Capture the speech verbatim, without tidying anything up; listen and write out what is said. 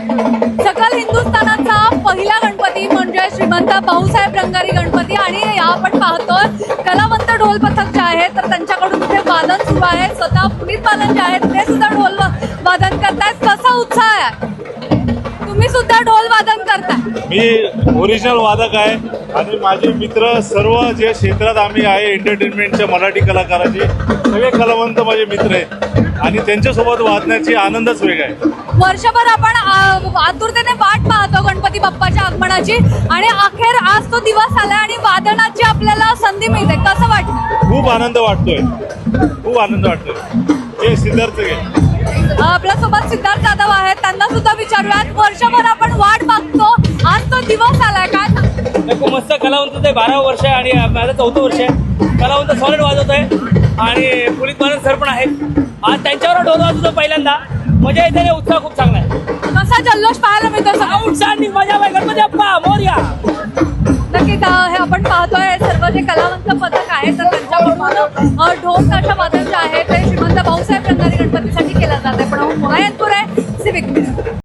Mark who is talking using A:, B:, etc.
A: सकल हिंदुस्थानाचा पहिला गणपती म्हणजे श्रीमंत भाऊसाहेब रंगारी गणपती आणि आपण पाहतोय कलावंत ढोल पथक जे आहे तर त्यांच्याकडून इथे वादन सुरू आहे। स्वतः पुनीत बालन जे आहेत ते सुद्धा ढोल वादन करतायत। कसा उत्साह आहे? तुम्ही सुद्धा ढोल वादन करताय?
B: मी ओरिजिनल वादक आहे आणि माझे मित्र सर्व जे क्षेत्रात आम्ही आहे एंटरटेनमेंटच्या मराठी कलाकाराचे सगळे कलावंत माझे मित्र आहेत आणि त्यांच्यासोबत वादण्याची आनंदच वेगळा आहे।
A: वर्षभर आपण आतुरतेने वाट पाहतो गणपती बाप्पाच्या आगमनाची आणि अखेर आज तो दिवस आला आणि वादनाची आपल्याला संधी मिळते। कसं वाटतं?
B: खूप आनंद वाटतोय, खूप आनंद वाटतोय। हे सिद्धार्थ घे
A: आपल्यासोबत सिद्धार्थ जाधव आहेत, त्यांना सुद्धा विचारूयात। वर्षभर आपण वाट बघतो, आज तो दिवस आलाय, काय सांगता?
C: खूप मस्त कलावंत आहे। बारा वर्ष आहे आणि माझं चौथं वर्ष आहे। कलावंत सॉलिड वाजवत आहे आणि पुलिस बालन सर पण आहेत। आज त्यांच्यावर ढोल वाजवतो पहिल्यांदा, मजा येते, उत्साह खूप चांगला आहे।
A: कसा जल्लोष पाहायला मिळतो?
C: सगळा उत्साह आणि मजा आहे। गणपती बाप्पा मोरया।
A: नक्कीच हे आपण पाहतोय सर्व जे कलावंत पथक आहे तर त्यांच्याकडून ढोल ताशा वादन जे आहे ते श्रीमंत भाऊसाहेब रंगारी गणपतीसाठी केलं जात आहे। पण मोळा यांतूर आहे सिविक।